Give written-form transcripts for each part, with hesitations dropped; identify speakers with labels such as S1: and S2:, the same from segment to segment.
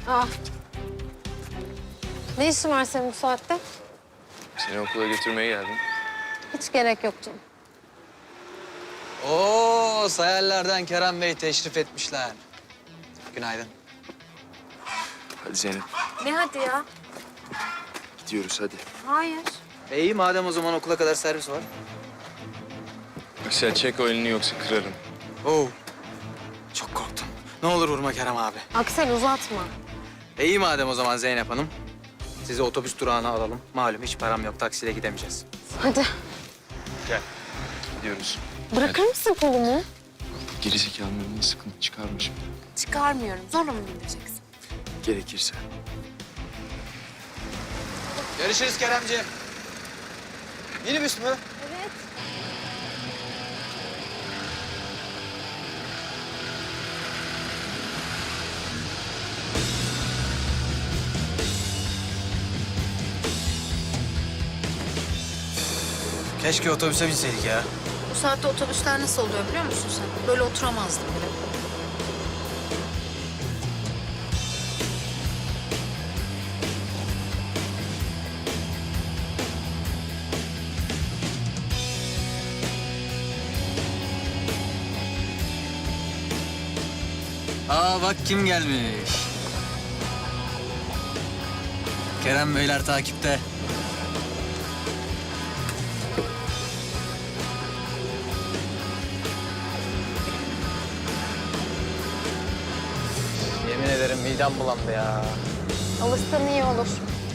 S1: Ah. Ne işin var senin bu saatte?
S2: Seni okula götürmeye geldim.
S1: Hiç gerek yok canım.
S3: Oo, sayarlardan Kerem Bey teşrif etmişler. Günaydın.
S2: Hadi Zeynep,
S1: Ne hadi ya?
S2: gidiyoruz hadi.
S1: Hayır.
S3: İyi madem o zaman okula kadar servis var.
S2: Sen çek o elini yoksa kırarım.
S3: Oo, çok korktum. Ne olur vurma Kerem abi.
S1: Aksel uzatma.
S3: İyi madem o zaman Zeynep Hanım. Sizi otobüs durağına alalım. Malum hiç param yok, taksiyle gidemeyeceğiz.
S1: Hadi.
S2: Gel. Gidiyoruz.
S1: Bırakır mısın kolumu?
S2: Gerizekalının sıkıntı çıkarmışım.
S1: Çıkarmıyorum. Zorla mı bindireceksin?
S2: Gerekirse.
S3: Görüşürüz Keremciğim. Minibüs mü?
S1: Evet.
S3: Keşke otobüse binseydik ya.
S4: Bu saatte otobüsler nasıl oluyor biliyor musun sen? Böyle oturamazdım bile.
S3: Aa bak kim gelmiş. Kerem Beyler takipte. Yemin ederim midem bulandı ya.
S1: Alışsan iyi olur.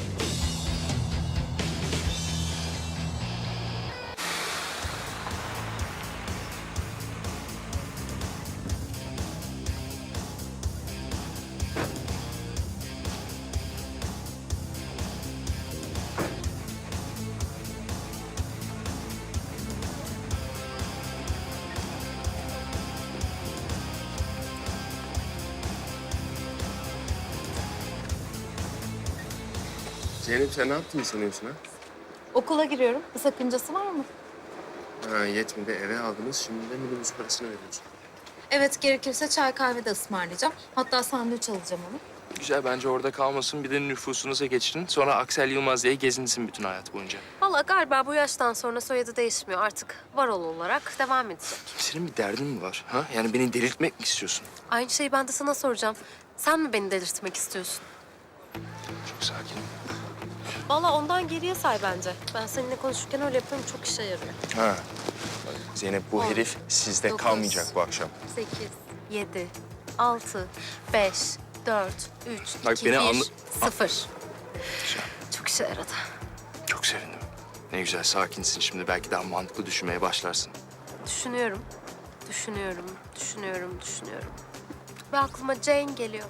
S2: Zeynep sen ne yaptığını sanıyorsun ha?
S1: Okula giriyorum. Bir sakıncası var mı?
S2: Ha yetmedi eve aldınız şimdi de minibüs parasını veriyorsun.
S4: Evet, gerekirse çay kahve de ısmarlayacağım. Hatta sandviç alacağım onu.
S2: Güzel bence orada kalmasın bir de nüfusunuza geçirin. Sonra Aksel Yılmaz diye gezinsin bütün hayat boyunca.
S5: Vallahi galiba bu yaştan sonra soyadı değişmiyor. Artık Varol olarak devam edecek.
S2: Senin bir derdin mi var ha? Yani beni delirtmek mi istiyorsun?
S5: Aynı şeyi ben de sana soracağım. Sen mi beni delirtmek istiyorsun?
S2: Çok sakin.
S5: Vallahi ondan geriye say bence. Ben seninle konuşurken öyle yapıyorum. Çok işe yarıyor.
S2: Ha. Zeynep bu
S5: 10,
S2: herif sizde
S5: 9,
S2: kalmayacak bu akşam.
S5: 8, 7, 6, 5, 4, 3,
S2: Bak
S5: 2,
S2: beni
S5: 1,
S2: anla-
S5: 0.
S2: Güzel.
S5: Çok işe yaradı.
S2: Çok sevindim. Ne güzel sakinsin şimdi belki daha mantıklı düşünmeye başlarsın.
S5: Düşünüyorum. Düşünüyorum. Ve aklıma Jane geliyor.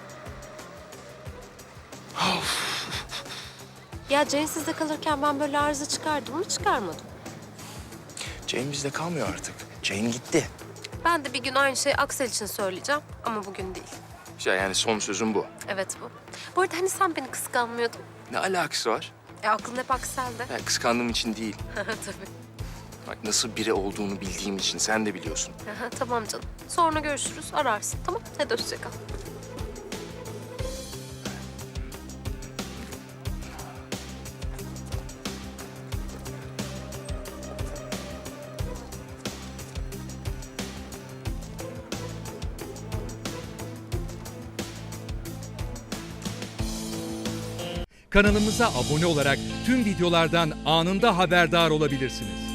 S5: Ya Jane sizde kalırken ben böyle arıza çıkardım mı çıkarmadım.
S2: Jane bizde kalmıyor artık. Jane gitti.
S5: Ben de bir gün aynı şeyi Aksel için söyleyeceğim ama bugün değil.
S2: Güzel yani son sözüm bu.
S5: Evet bu. Bu arada hani sen beni kıskanmıyordun?
S2: Ne alakası var?
S5: Aklın hep Aksel'de.
S2: Yani kıskandığım için değil.
S5: Tabii.
S2: Bak nasıl biri olduğunu bildiğim için sen de biliyorsun.
S5: Tamam canım. Sonra görüşürüz, ararsın. Tamam, hadi hoşça kal.
S6: Kanalımıza abone olarak tüm videolardan anında haberdar olabilirsiniz.